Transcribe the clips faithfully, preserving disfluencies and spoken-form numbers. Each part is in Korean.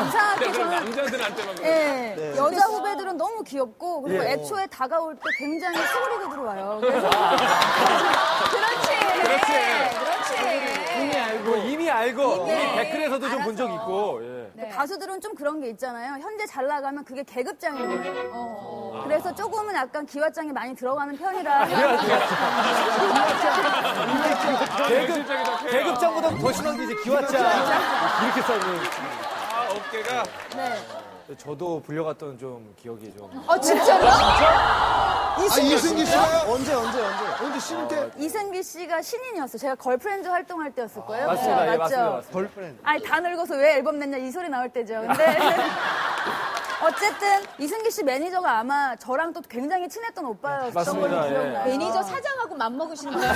이상하게 저는 남자들한테만 그래. 예, 네. 여자 후배들은 너무 귀엽고 그리고 예. 애초에 다가올 때 굉장히 수그리고 들어와요. 그래서 그렇지. 그렇지. 그렇지. 이미 알고, 이미 알고, 이미 네. 댓글에서도 좀 본 적 알아서. 있고. 예. 네. 가수들은 좀 그런 게 있잖아요. 현재 잘 나가면 그게 계급장인 거예요. 어. 그래서 조금은 약간 기와장이 많이 들어가는 편이라. 계급, 계급장보다 더 심한 게 이제 기와장. 이렇게 써있는. 아, 어깨가. 네. 저도 불려갔던 좀 기억이 좀. 어, 진짜로? 아, 이승기 씨가요? 언제, 언제, 언제? 언제 신인 때? 이승기 씨가 신인이었어요. 제가 걸프렌즈 활동할 때였을 거예요. 맞습니다. 그죠? 예, 맞죠? 맞습니다. 맞습니다. 걸프렌드. 아니, 다 늙어서 왜 앨범 냈냐 이 소리 나올 때죠. 근데 어쨌든 이승기 씨 매니저가 아마 저랑 또 굉장히 친했던 오빠였던 맞습니다. 걸로 예. 기억나요. 매니저 사장하고 맘먹으시는 거예요.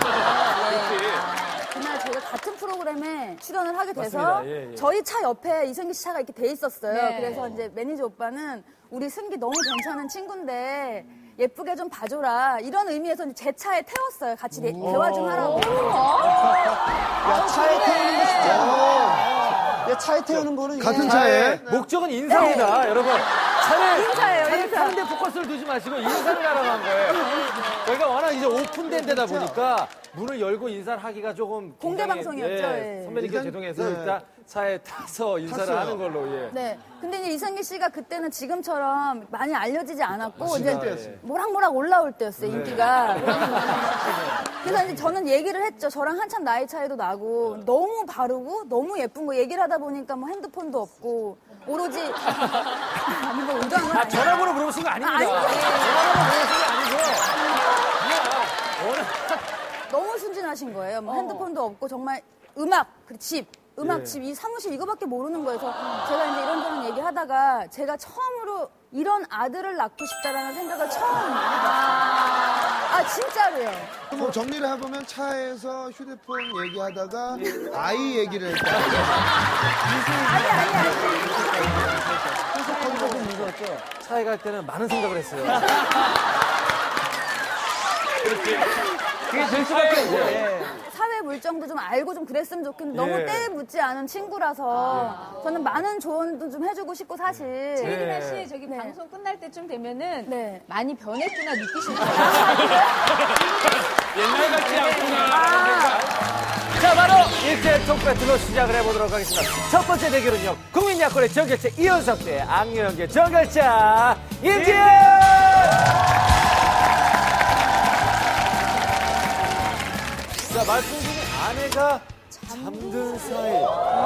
그날 저희가 같은 프로그램에 출연을 하게 돼서 맞습니다. 예, 예. 저희 차 옆에 이승기 씨 차가 이렇게 돼 있었어요. 네. 그래서 이제 매니저 오빠는 우리 승기 너무 괜찮은 친구인데 예쁘게 좀 봐줘라 이런 의미에서 이제 제 차에 태웠어요. 같이 대, 대화 좀 하라고. 야, 차에 태우는 거 진짜. 야, 차에 태우는 거는. 이게- 같은 차에? 목적은 인사입니다, 여러분. 차를, 인사예요, 차를 인사. 타는데 포커스를 두지 마시고 인사를 하러 간 거예요. 저희가 워낙 이제 오픈된 데다 보니까 문을 열고 인사를 하기가 조금. 공개 굉장히, 방송이었죠, 예, 예. 선배님께 일단, 죄송해서 네. 일단 차에 타서 인사를 탔어요. 하는 걸로, 예. 네. 근데 이제 이승기 씨가 그때는 지금처럼 많이 알려지지 않았고 이제 때였어요. 모락모락 올라올 때였어요, 인기가. 그래서 이제 저는 얘기를 했죠. 저랑 한참 나이 차이도 나고 너무 바르고 너무 예쁜 거 얘기를 하다 보니까 뭐 핸드폰도 없고 오로지 아니 뭐 의도한 건 아, 아니에요. 전화번호 물어보신 거 아닙니다. 아니요. 전화번호 물어보신 게 아니고. 그냥 워낙 너무 순진하신 거예요. 뭐 핸드폰도 없고 정말 음악, 그리고 집, 음악 예. 집, 이 사무실 이거밖에 모르는 거예요. 그래서 제가 이제 이런저런 얘기하다가 제가 처음으로 이런 아들을 낳고 싶다라는 생각을 처음 아 진짜로요. 뭐 정리를 해보면 차에서 휴대폰 얘기하다가 아이 얘기를 했다. 아니 아니 아니. 거기서 좀 무서웠죠. 차에 갈 때는 많은 생각을 했어요. 그게 될 수밖에 없어. 사회 물정도 좀 알고 좀 그랬으면 좋겠는데 너무 예. 때에 묻지 않은 친구라서 저는 많은 조언도 좀 해주고 싶고 사실. 혜린아 네. 씨 저기 네. 방송 끝날 때쯤 되면은 네. 많이 변했구나 느끼시는 거예요. 옛날 같지 않구나. 자, 바로 일제 톡 배틀로 시작을 해보도록 하겠습니다. 첫 번째 대결은요, 국민 야권의 정결자 이현석 대 악녀연계 정결자 임지은! 자, 말씀 중에 아내가 잠든 사이.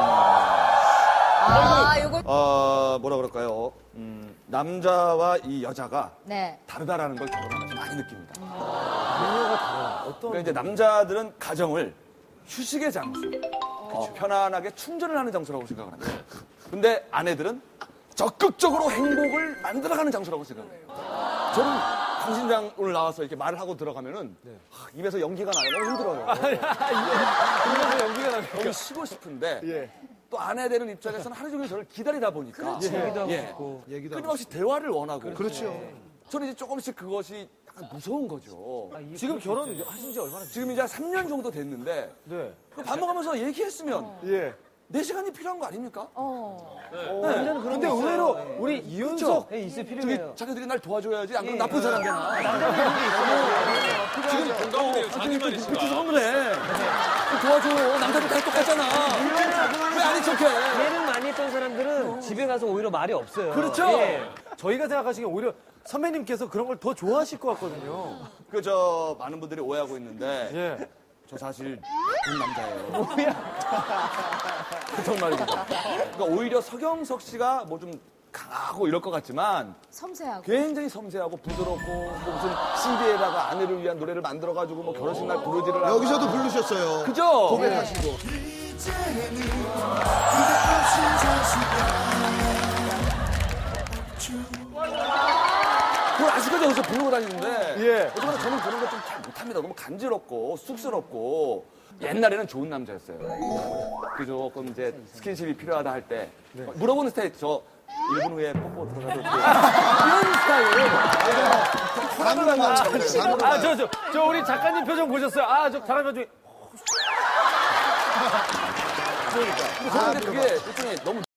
아, 요거. 어, 뭐라 그럴까요? 음, 남자와 이 여자가 네. 다르다라는 걸 결혼하면서 많이 느낍니다. 그녀가 달라. 어떤. 그러니까 이제 남자들은 가정을 휴식의 장소, 어, 편안하게 충전을 하는 장소라고 생각을 합니다. 근데 아내들은 적극적으로 행복을 만들어가는 장소라고 생각해요. 저는 강신장을 나와서 이렇게 말을 하고 들어가면은 하, 입에서 연기가 나요. 너무 힘들어요. 그러면서 연기가 나니까. 너무 쉬고 싶은데 예. 또 아내 되는 입장에서는 하루 종일 저를 기다리다 보니까 얘기도 하고 예. 싶고. 얘기도 하고 끊임없이 대화를 원하고 그렇죠. 저는 이제 조금씩 그것이 약간 무서운 거죠. 지금 결혼하신 지 얼마나 지금 이제 한 삼 년 정도 됐는데 네. 그 밥 먹으면서 얘기했으면 예. 내 시간이 필요한 거 아닙니까? 어. 완전 근데 의외로 우리 이윤석 있을 저기 자기들이 날 도와줘야지 안 그러면 나쁜 사람 되나? 지금 공감돼요. 자기 말이 그렇게 싫어. 선물해. 도와줘. 남자들 다 똑같잖아. 왜 아닌 척해? 예능 많이 했던 사람들은 집에 가서 오히려 말이 없어요. 그렇죠. 예. 저희가 생각하시기에 오히려 선배님께서 그런 걸 더 좋아하실 것 같거든요. 그 저 많은 분들이 오해하고 있는데 예. 저 사실 나쁜 남자예요. 뭐야? 정말입니다. 그러니까 오히려 서경석 씨가 뭐 좀 강하고 이럴 것 같지만 섬세하고. 굉장히 섬세하고 부드럽고 뭐 무슨 씨디에다가 아내를 위한 노래를 만들어가지고 뭐 결혼식 날 부르지를 하고 여기서도 부르셨어요. 그죠? 고백하시고. 그걸 아직까지 여기서 부르고 다니는데 예. 어쨌거나 저는 그런 거 좀 잘 못합니다. 너무 간지럽고 쑥스럽고 옛날에는 좋은 남자였어요. 그 조금 이제 스킨십이 필요하다 할 때 물어보는 스타일 저 일 분 후에 뽀뽀 들어가도 돼. 이런 스타일. 방금 난 참. 아, 저, 저, 저 우리 작가님 표정 보셨어요? 아, 저 작가님 표정이. 근데 저는 근데 그게 일종의 너무